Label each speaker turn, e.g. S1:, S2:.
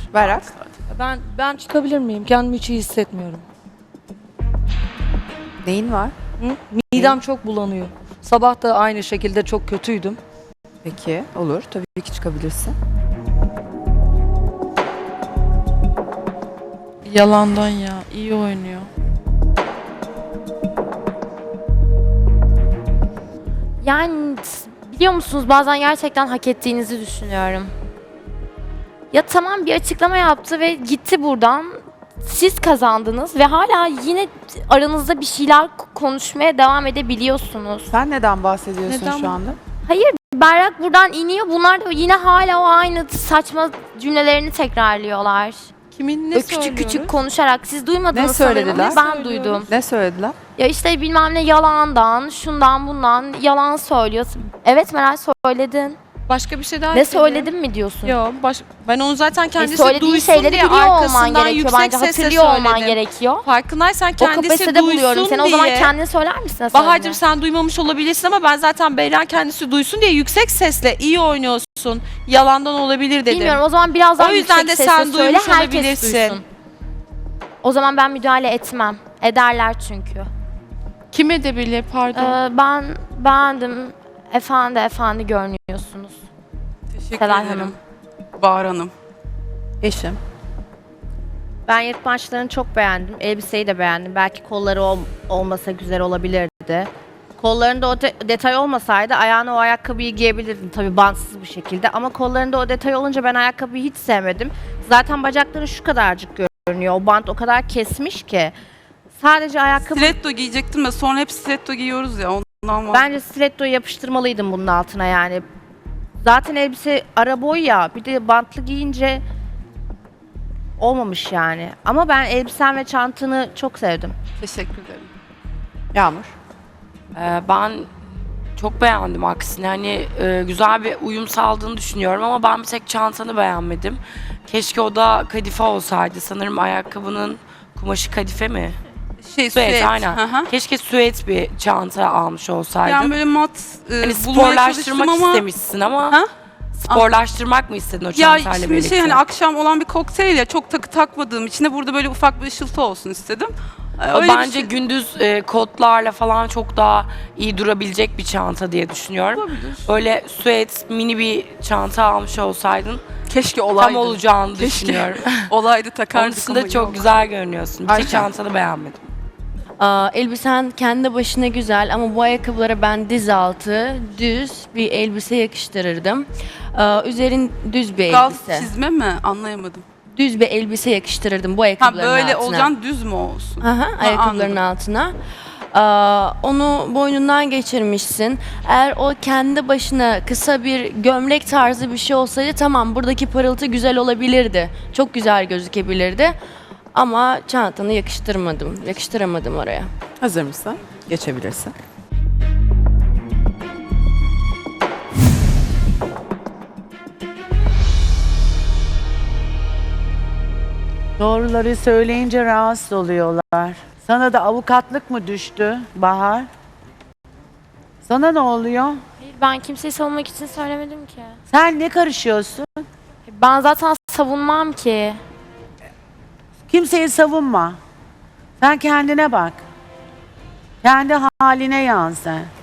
S1: Berrak.
S2: Ben çıkabilir miyim? Kendimi hiç iyi hissetmiyorum.
S1: Neyin var?
S2: Hı? Midem çok bulanıyor. Sabah da aynı şekilde çok kötüydüm.
S1: Peki, olur. Tabii ki çıkabilirsin.
S3: Yalandan ya. İyi oynuyor.
S4: Yani biliyor musunuz bazen gerçekten hak ettiğinizi düşünüyorum. Ya tamam bir açıklama yaptı ve gitti buradan. Siz kazandınız ve hala yine aranızda bir şeyler konuşmaya devam edebiliyorsunuz.
S1: Sen neden bahsediyorsun
S3: Neden?
S1: şu anda?
S4: Hayır, Berrak buradan iniyor. Bunlar da yine hala o aynı saçma cümlelerini tekrarlıyorlar.
S3: Kimin ne
S4: Böyle küçük
S3: söylüyoruz?
S4: küçük konuşarak. Siz duymadınız
S1: Ne
S4: sanırım
S1: söylediler?
S4: ama ben
S3: Söylüyoruz.
S4: duydum.
S1: Ne söylediler?
S4: Ya işte bilmem ne yalandan, şundan bundan yalan söylüyorsun. Evet Meral söyledin.
S3: Başka bir şey daha
S4: Ne
S3: ekledim.
S4: söyledim mi diyorsun?
S3: Yok, ben onu zaten kendisi
S4: Söylediğin
S3: duysun
S4: şeyleri
S3: diye
S4: biliyor olman
S3: arkasından
S4: gerekiyor
S3: yüksek
S4: bence.
S3: sesle
S4: Hatırlıyor olman
S3: söyledim.
S4: gerekiyor.
S3: Farkındaysan
S4: O
S3: kendisi
S4: kapasitede buluyorum
S3: duysun
S4: seni.
S3: diye.
S4: O zaman kendin söyler misin?
S3: Bahar'cığım sen duymamış olabilirsin ama ben zaten Beyran kendisi duysun diye yüksek sesle iyi oynuyorsun. Yalandan olabilir dedim.
S4: Bilmiyorum o zaman biraz daha
S3: O yüzden
S4: yüksek
S3: de
S4: sesle
S3: sen
S4: söyle
S3: duymuş
S4: herkes
S3: olabilirsin.
S4: duysun. O zaman ben müdahale etmem. Ederler çünkü.
S3: Kim edebilir pardon.
S4: Ben beğendim. Efendi görünüyorsunuz.
S5: Teşekkür
S4: Seval
S5: ederim.
S4: Hanım.
S5: Bahar Hanım.
S1: Eşim.
S6: Ben yırtmaçlarını çok beğendim. Elbiseyi de beğendim. Belki kolları olmasa güzel olabilirdi. Kollarında o detay olmasaydı ayağına o ayakkabıyı giyebilirdin tabii bantsız bir şekilde. Ama kollarında o detay olunca ben ayakkabıyı hiç sevmedim. Zaten bacakları şu kadarcık görünüyor. O bant o kadar kesmiş ki. Sadece ayakkabı...
S5: Stiletto giyecektim de sonra hep stiletto giyiyoruz ya ondan var.
S6: Bence stilettoyu yapıştırmalıydım bunun altına yani. Zaten elbise ara boy ya. Bir de bantlı giyince olmamış yani. Ama ben elbisen ve çantanı çok sevdim.
S5: Teşekkür ederim.
S1: Yağmur.
S7: Ben çok beğendim aksine. Hani güzel bir uyum sağladığını düşünüyorum ama ben bir tek çantanı beğenmedim. Keşke o da kadife olsaydı. Sanırım ayakkabının kumaşı kadife mi?
S5: Şey
S7: Süet, aynen.
S5: Hı hı.
S7: Keşke süet bir çanta almış olsaydın.
S5: Yani böyle mat
S7: hani
S5: bulmaya
S7: sporlaştırmak
S5: çalıştım ama...
S7: istemişsin ama
S5: Ha?
S7: sporlaştırmak mı istedin o
S5: Ya
S7: çantayla
S5: şimdi
S7: birlikte?
S5: şey hani akşam olan bir kokteyl ya çok takı takmadığım için de burada böyle ufak bir ışıltı olsun istedim. Öyle bir
S7: Bence
S5: şey-
S7: gündüz kotlarla falan çok daha iyi durabilecek bir çanta diye düşünüyorum.
S5: Olabilir.
S7: Böyle süet mini bir çanta almış olsaydın
S5: Keşke olaydı.
S7: tam olacağını
S5: Keşke.
S7: düşünüyorum.
S5: Olaydı takardık
S7: Onun dışında
S5: ama
S7: çok
S5: yok.
S7: güzel görünüyorsun. Bir tek
S1: Ayşe.
S7: çantanı beğenmedim.
S8: Elbisen kendi başına güzel ama bu ayakkabılara ben diz altı düz bir elbise yakıştırırdım. Üzerin düz bir
S5: Gaz
S8: elbise.
S5: çizme mi? Anlayamadım.
S8: Düz bir elbise yakıştırırdım bu
S5: Ha
S8: ayakkabıların
S5: böyle
S8: altına.
S5: olacaksın düz mü olsun?
S8: Aha, ayakkabıların
S5: anladım.
S8: altına. Onu boynundan geçirmişsin. Eğer o kendi başına kısa bir gömlek tarzı bir şey olsaydı tamam buradaki parıltı güzel olabilirdi. Çok güzel gözükebilirdi. Ama çantanı yakıştıramadım oraya.
S1: Hazır mısın? Geçebilirsin.
S9: Doğruları söyleyince rahatsız oluyorlar. Sana da avukatlık mı düştü Bahar? Sana ne oluyor?
S4: Ben kimseyi savunmak için söylemedim ki.
S9: Sen ne karışıyorsun?
S4: Ben zaten savunmam ki.
S9: Kimseyi savunma. Sen kendine bak. Kendi haline yan sen.